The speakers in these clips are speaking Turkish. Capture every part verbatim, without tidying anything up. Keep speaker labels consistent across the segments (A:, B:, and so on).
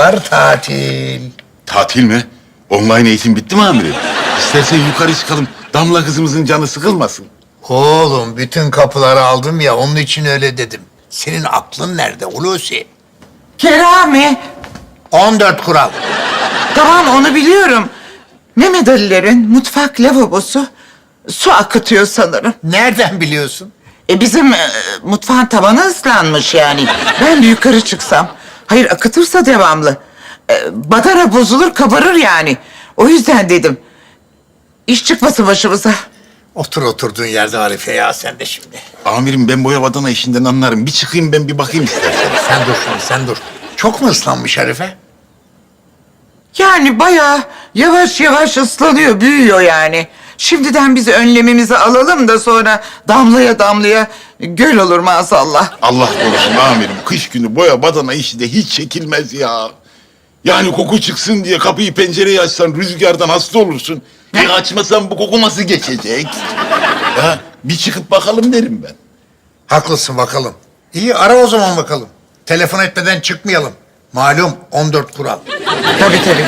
A: Çocuklar tatil.
B: Tatil mi? Online eğitim bitti mi amirim? İstersen yukarı çıkalım. Damla kızımızın canı sıkılmasın.
A: Oğlum bütün kapıları aldım ya onun için öyle dedim. Senin aklın nerede Hulusi?
C: Kerami.
A: on dört kural.
C: Tamam onu biliyorum. Mehmet Ali'lerin mutfak lavabosu su akıtıyor sanırım.
A: Nereden biliyorsun?
C: E bizim e, mutfağın tavanı ıslanmış yani. Ben de yukarı çıksam. Hayır akıtırsa devamlı. E, badana bozulur kabarır yani. O yüzden dedim. İş çıkmasın başımıza.
A: Otur oturduğun yerde Arife ya sen de şimdi.
B: Amirim ben boya badana işinden anlarım. Bir çıkayım ben bir bakayım istersen.
A: Sen dur şimdi sen dur. Çok mu ıslanmış Arife?
C: Yani bayağı yavaş yavaş ıslanıyor, büyüyor yani. Şimdiden biz önlemimizi alalım da sonra damlaya damlaya göl olur maazallah.
B: Allah korusun amirim. Kış günü boya badana işi de hiç çekilmez ya. Yani koku çıksın diye kapıyı pencereyi açsan rüzgardan hasta olursun. E açmasan bu koku nasıl geçecek? Ya bir çıkıp bakalım derim ben.
A: Haklısın bakalım. İyi ara o zaman bakalım. Telefon etmeden çıkmayalım. Malum on dört kural.
C: Tabii tabii.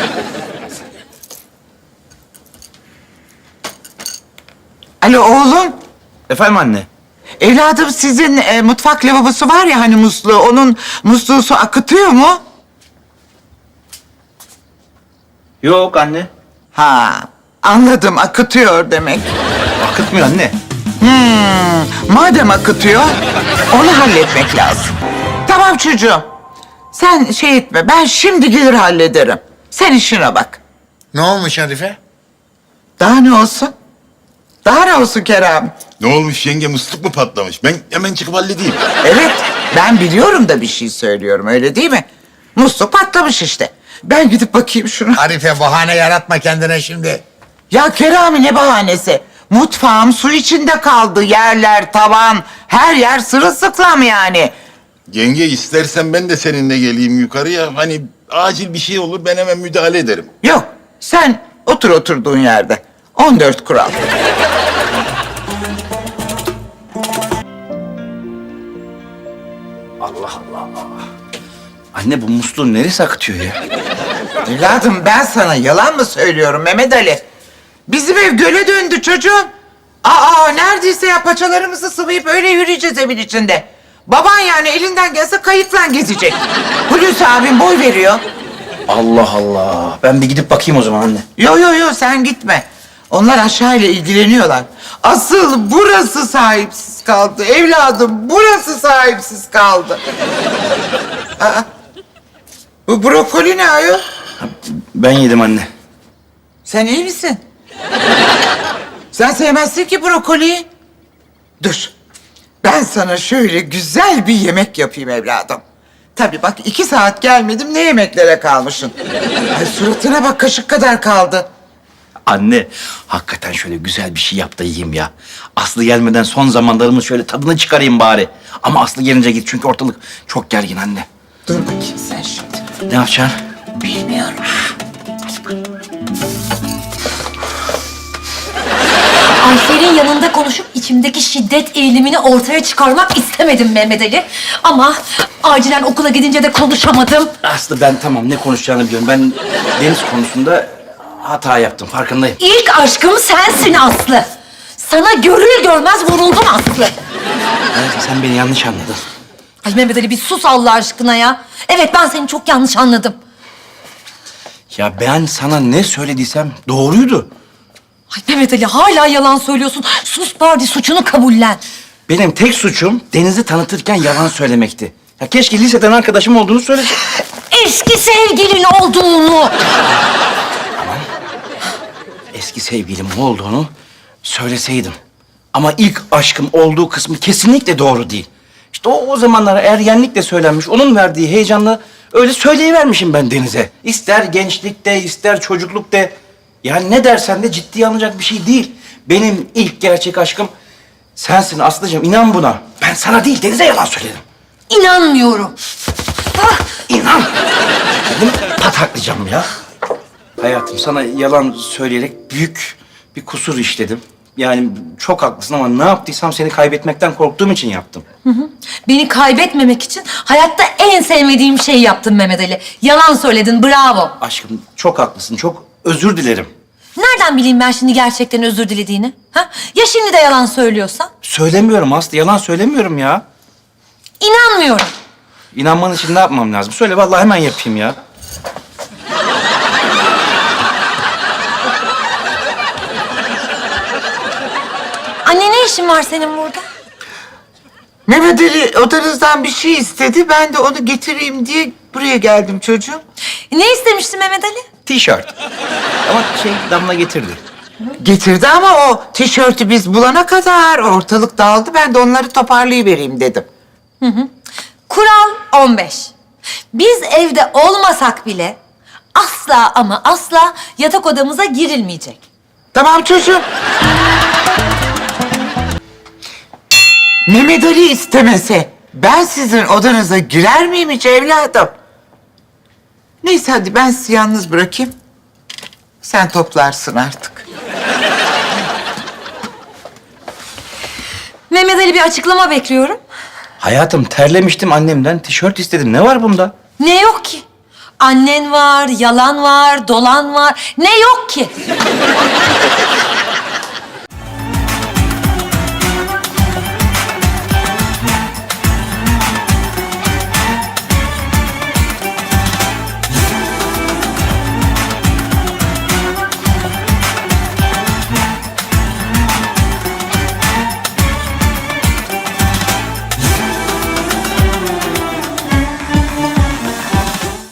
C: Alo oğlum.
D: Efendim anne?
C: Evladım sizin e, mutfak lavabosu var ya hani musluğu. Onun musluğu su akıtıyor mu?
D: Yok anne.
C: Ha anladım akıtıyor demek.
D: Akıtmıyor anne.
C: Hmm, madem akıtıyor onu halletmek lazım. Tamam çocuğum. Sen şey etme ben şimdi gelir hallederim. Sen işine bak.
A: Ne olmuş Arife?
C: Daha ne olsun? Daha ne olsun Kerem?
B: Ne olmuş yenge musluk mu patlamış? Ben hemen çıkıp halledeyim.
C: Evet ben biliyorum da bir şey söylüyorum öyle değil mi? Musluk patlamış işte. Ben gidip bakayım şuna.
A: Arife bahane yaratma kendine şimdi.
C: Ya Kerami ne bahanesi? Mutfağım su içinde kaldı. Yerler, tavan, her yer sırılsıklam yani.
B: Yenge istersen ben de seninle geleyim yukarıya. Hani acil bir şey olur ben hemen müdahale ederim.
C: Yok, sen otur oturduğun yerde. on dört kural.
D: Allah Allah. Anne bu musluğun neresi akıtıyor ya?
C: Evladım ben sana yalan mı söylüyorum Mehmet Ali? Bizim ev göle döndü çocuğum. Aa neredeyse ya paçalarımızı sıvayıp öyle yürüyeceğiz evin içinde. Baban yani elinden gelse kayıkla gezecek. Hulusi abim boy veriyor.
D: Allah Allah. Ben bir gidip bakayım o zaman anne.
C: Yo yo yo sen gitme. Onlar aşağıyla ilgileniyorlar. Asıl burası sahipsiz kaldı. Evladım burası sahipsiz kaldı. Aa, bu brokoli ne ayol?
D: Ben yedim anne.
C: Sen iyi misin? Sen sevmezsin ki brokoliyi. Dur. Ben sana şöyle güzel bir yemek yapayım evladım. Tabii bak iki saat gelmedim ne yemeklere kalmışsın. Ay suratına bak kaşık kadar kaldı.
D: Anne hakikaten şöyle güzel bir şey yap da yiyeyim ya. Aslı gelmeden son zamanlarımın şöyle tadını çıkarayım bari. Ama Aslı gelince git çünkü ortalık çok gergin anne.
C: Dur bakayım sen şimdi.
D: Ne yapacaksın?
C: Bilmiyorum.
E: Ayfer'in yanında konuşup içimdeki şiddet eğilimini ortaya çıkarmak istemedim Mehmet Ali. Ama acilen okula gidince de konuşamadım.
D: Aslı ben tamam ne konuşacağını biliyorum. Ben Deniz konusunda hata yaptım farkındayım.
E: İlk aşkım sensin Aslı. Sana görür görmez vuruldum Aslı.
D: Evet, sen beni yanlış anladın.
E: Ay Mehmet Ali bir sus Allah aşkına ya. Evet ben seni çok yanlış anladım.
D: Ya ben sana ne söylediysem doğruydu.
E: Ay Mehmet Ali hala yalan söylüyorsun. Sus bari suçunu kabullen.
D: Benim tek suçum Deniz'i tanıtırken yalan söylemekti. Ya keşke liseden arkadaşım olduğunu söyleseydim.
E: Eski sevgilin olduğunu.
D: Eski sevgilim olduğunu söyleseydim. Ama ilk aşkım olduğu kısmı kesinlikle doğru değil. İşte o, o zamanlar ergenlikle söylenmiş, onun verdiği heyecanla öyle söyleyivermişim ben Deniz'e. İster gençlikte, ister çocuklukta. Yani ne dersen de ciddiye alınacak bir şey değil. Benim ilk gerçek aşkım sensin Aslı'cığım, inan buna. Ben sana değil, Deniz'e yalan söyledim.
E: İnanmıyorum. Ah,
D: İnan. Kendimi pataklayacağım ya. Hayatım sana yalan söyleyerek büyük bir kusur işledim. Yani çok haklısın ama ne yaptıysam seni kaybetmekten korktuğum için yaptım.
E: Beni kaybetmemek için hayatta en sevmediğim şeyi yaptın Mehmet Ali. Yalan söyledin, bravo.
D: Aşkım çok haklısın, çok özür dilerim.
E: Nereden bileyim ben şimdi gerçekten özür dilediğini? Ha? Ya şimdi de yalan söylüyorsan?
D: Söylemiyorum Aslı, yalan söylemiyorum ya.
E: İnanmıyorum.
D: İnanman için ne yapmam lazım? Söyle vallahi hemen yapayım ya.
E: Anne ne işin var senin burada?
C: Mehmet Ali odanızdan bir şey istedi. Ben de onu getireyim diye buraya geldim çocuğum.
E: Ne istemiştin Mehmet Ali?
D: Tişört. Ama şey Damla getirdi.
C: Getirdi ama o tişörtü biz bulana kadar ortalık dağıldı. Ben de onları toparlayıvereyim dedim.
E: Kural on beş. Biz evde olmasak bile asla ama asla yatak odamıza girilmeyecek.
C: Tamam çocuğum. Mehmet Ali istemese ben sizin odanıza girer miyim hiç evladım? Neyse hadi ben sizi yalnız bırakayım. Sen toplarsın artık.
E: Mehmet Ali bir açıklama bekliyorum.
D: Hayatım terlemiştim annemden, tişört istedim. Ne var bunda?
E: Ne yok ki? Annen var, yalan var, dolan var. Ne yok ki?